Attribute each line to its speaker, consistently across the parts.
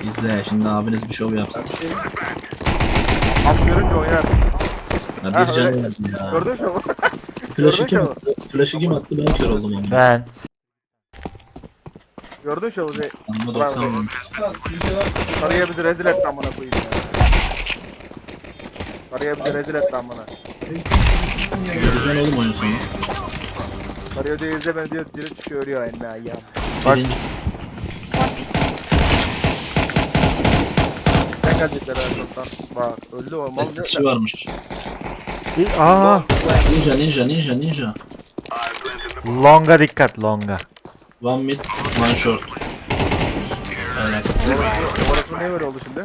Speaker 1: İzle şimdi abiniz bir şov yapsın.
Speaker 2: Abi görünce oynar.
Speaker 1: Ya
Speaker 2: Ha,
Speaker 1: bir canı
Speaker 2: öyle.
Speaker 1: vardı ya.
Speaker 2: Gördün mü?
Speaker 1: Flash'ı kim
Speaker 2: Gördün mü?
Speaker 1: attı? Flash'ı kim attı? Ben kör oldum ama.
Speaker 3: Ben.
Speaker 2: Gördün şu Ozi.
Speaker 1: Anma 90 vurmuş.
Speaker 2: Sarıya bizi rezil etti amına koyayım ya. Sarıya bizi rezil etti amına.
Speaker 1: Göreceksin oğlum oyun sonu.
Speaker 2: Sarıya diyor izle beni diyor direkt çıkıyor ölüyor eline ya.
Speaker 3: Bak.
Speaker 1: Birinci
Speaker 2: Sen gelecekler Erdoğan'dan. Bak öldü o mal
Speaker 1: SSC varmış.
Speaker 3: Aa,
Speaker 1: Ninja.
Speaker 3: longa dikkat longa.
Speaker 1: One mid, one short. Aynen.
Speaker 2: Orası ne böyle oldu şimdi?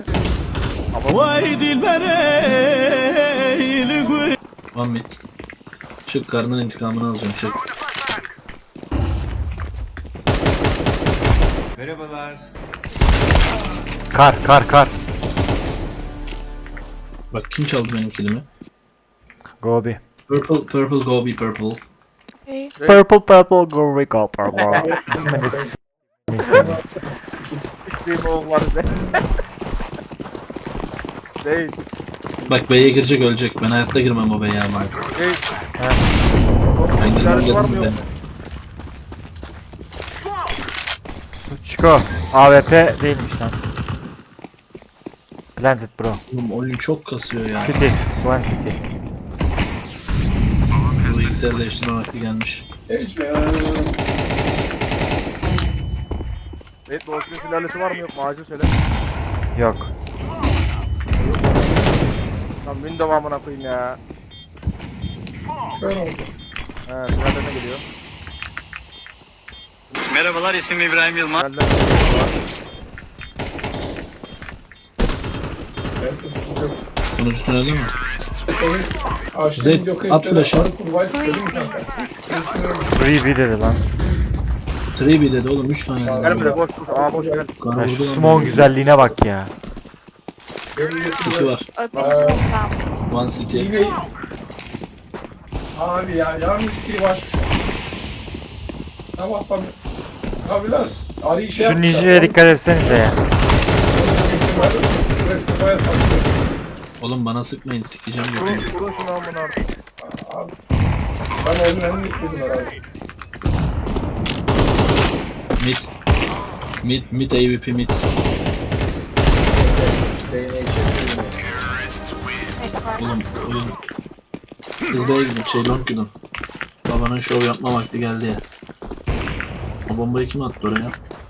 Speaker 1: One mid. Çık karnın intikamını alacağım çık.
Speaker 3: Kar.
Speaker 1: Bak kim çaldı benim kilimi?
Speaker 3: Gobi.
Speaker 1: Purple go be purple.
Speaker 3: Purple go purple. Beni s*****.
Speaker 2: İsteyim oğulları de. Değil.
Speaker 1: Bak B'ye girecek ölecek. Ben hayatta girmem o B'ye ama.
Speaker 2: Değil.
Speaker 1: Ben girmem
Speaker 2: Silahı var mı
Speaker 1: dedim
Speaker 2: yok?
Speaker 1: ben.
Speaker 3: Chico. AWP değilmiş lan. Planted bro.
Speaker 1: Oğlum oyun çok kasıyor ya.
Speaker 3: City. One city.
Speaker 1: Bu bilgisayarı değiştirme vakti gelmiş.
Speaker 2: Evet Doğuş'un sülalesi var mı yok mu acil söyle.
Speaker 3: Yok.
Speaker 2: Lan Windows amına koyayım ya. He sülalene geliyor.
Speaker 4: Merhabalar, ismim İbrahim Yılmaz.
Speaker 2: Geldi.
Speaker 1: Sonucusunu öyle mi? Zed at flash'ı.
Speaker 3: 3B dedi lan.
Speaker 1: 3B dedi oğlum 3 tane.
Speaker 2: Gelme de boş boş. Aa boş gel.
Speaker 1: Kanı
Speaker 3: Ya şu
Speaker 1: vurdu lan.
Speaker 3: smoke güzelliğine bak ya.
Speaker 1: City var. One city.
Speaker 5: Abi ya yanlış biri var. Tamam. Abiler arayı şey
Speaker 3: Şu ninja'ya dikkat etsenize ya.
Speaker 1: Oğlum bana sıkmayın sikeceğim
Speaker 2: Vurun
Speaker 1: götünü.
Speaker 2: vurun şunu amına artık.
Speaker 5: Ben onun önünü istedim herhalde.
Speaker 1: Mid AWP mid. Oğlum oyun. Kız B'ye gidin long gidin. Babanın şov yapma vakti geldi ya. O bombayı kim attı oraya?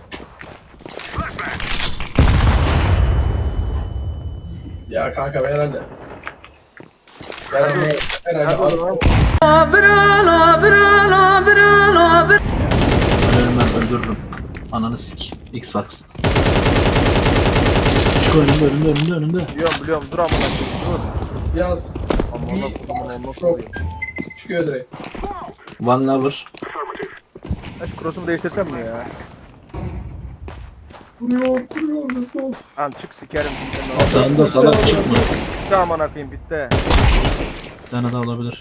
Speaker 5: Ya kanka ben herhalde. Herhalde
Speaker 1: Ben öldürürüm. Ananı sik. Xbox. Çık önümde.
Speaker 2: Biliyorum dur amına koyayım dur.
Speaker 5: yalnız
Speaker 2: Amına koyayım nasıl
Speaker 5: çok
Speaker 2: oluyor?
Speaker 5: çıkıyor direkt.
Speaker 1: One lover.
Speaker 2: Ben şu cross'umu değiştirsem mi ya?
Speaker 5: Kuruyor nasıl oldu?
Speaker 2: Lan çık sikerim.
Speaker 1: Sağında salak çıkma.
Speaker 2: Bitti amına koyayım bitti.
Speaker 1: Bir tane daha olabilir.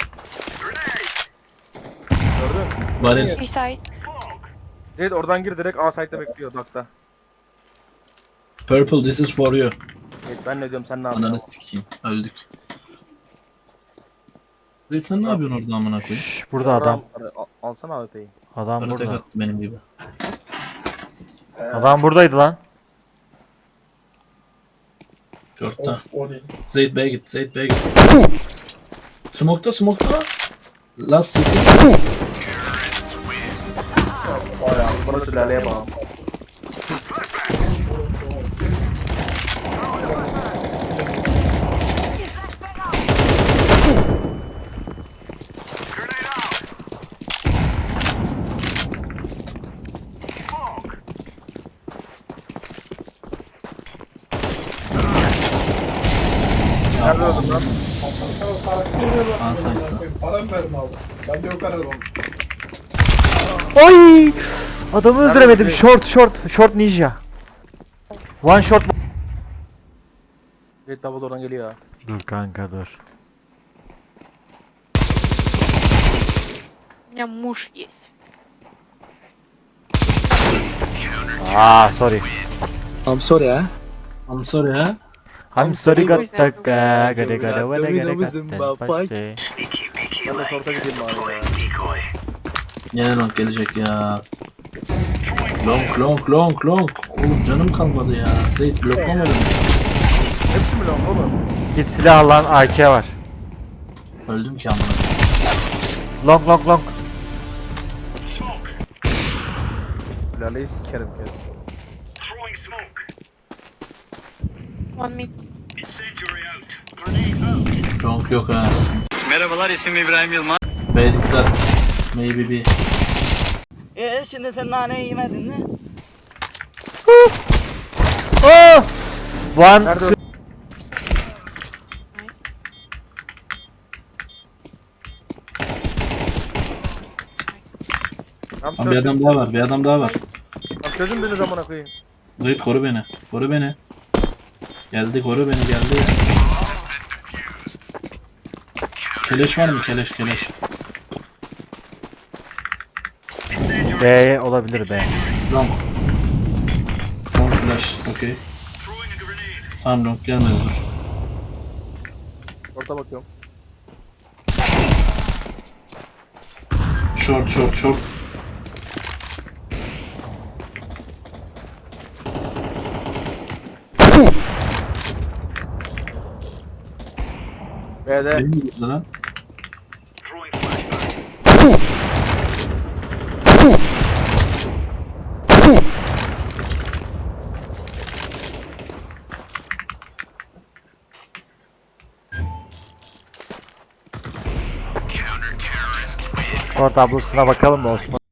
Speaker 2: Gördün?
Speaker 1: Varil.
Speaker 2: Zed oradan gir direkt A site'de bekliyor dakta.
Speaker 1: Purple this is for you.
Speaker 2: Evet, ben ne diyorum sen ne
Speaker 1: Ananı
Speaker 2: yapıyorsun?
Speaker 1: sikeyim. Öldük. Zeyt sen ne yapıyorsun orada amına koyayım?
Speaker 3: Şşş, burada adam.
Speaker 2: Alsana AWP'yi.
Speaker 3: Adam
Speaker 1: Bana tek
Speaker 3: burada.
Speaker 1: attı benim gibi.
Speaker 3: Adam buradaydı lan.
Speaker 1: Short'ta.
Speaker 5: Of o değil.
Speaker 1: Zeyt B'ye git. Smoke'ta. Last city.
Speaker 5: Bayağı.
Speaker 2: Bana sülaleye bağlı. Nerede öldün lan?
Speaker 1: Aa, sanki.
Speaker 5: Para mı verdim abi? Ben de yok ararım.
Speaker 3: Oy! Adamı öldüremedim.
Speaker 2: Nerede?
Speaker 3: Short ninja. One shot.
Speaker 2: Zed double oradan geliyor ha.
Speaker 3: Dur kanka dur.
Speaker 6: У меня муж есть.
Speaker 3: Aa sorry.
Speaker 1: I'm sorry ha. I'm sorry ha.
Speaker 3: I'm sorry got
Speaker 6: Who's that?
Speaker 3: stuck. Gada gada vada gada gada.
Speaker 2: Ben de short'a gideyim bari ya.
Speaker 1: Yine long gelecek ya. Long. Oğlum canım kalmadı ya. Zeyt bloklama beni.
Speaker 2: Hepsi mi lan oğlum?
Speaker 3: Git silah al lan, AK var.
Speaker 1: Öldüm ki amına.
Speaker 3: Long.
Speaker 2: Laleyi sikerim kes.
Speaker 6: One mid.
Speaker 1: Long yok ha.
Speaker 4: Merhabalar, ismim İbrahim Yılmaz.
Speaker 1: B dikkat. Maybe B.
Speaker 7: Şimdi sen naneyi yemedin mi?
Speaker 3: Oh! One.
Speaker 2: Nerede
Speaker 1: Lan bir adam daha var. Bir adam daha var.
Speaker 2: Çözün beni zamana koyayım.
Speaker 1: Zeyt koru beni. Koru beni. Geldi koru beni geldi. Keleş var mı? Keleş.
Speaker 3: B olabilir B.
Speaker 1: Long. Long flash. Okey. Tamam long gelmedi dur.
Speaker 2: Orta bakıyorum.
Speaker 1: Short.
Speaker 2: B'de.
Speaker 1: Benim mi gitti lan?
Speaker 3: Skor tablosuna bakalım mı Osman?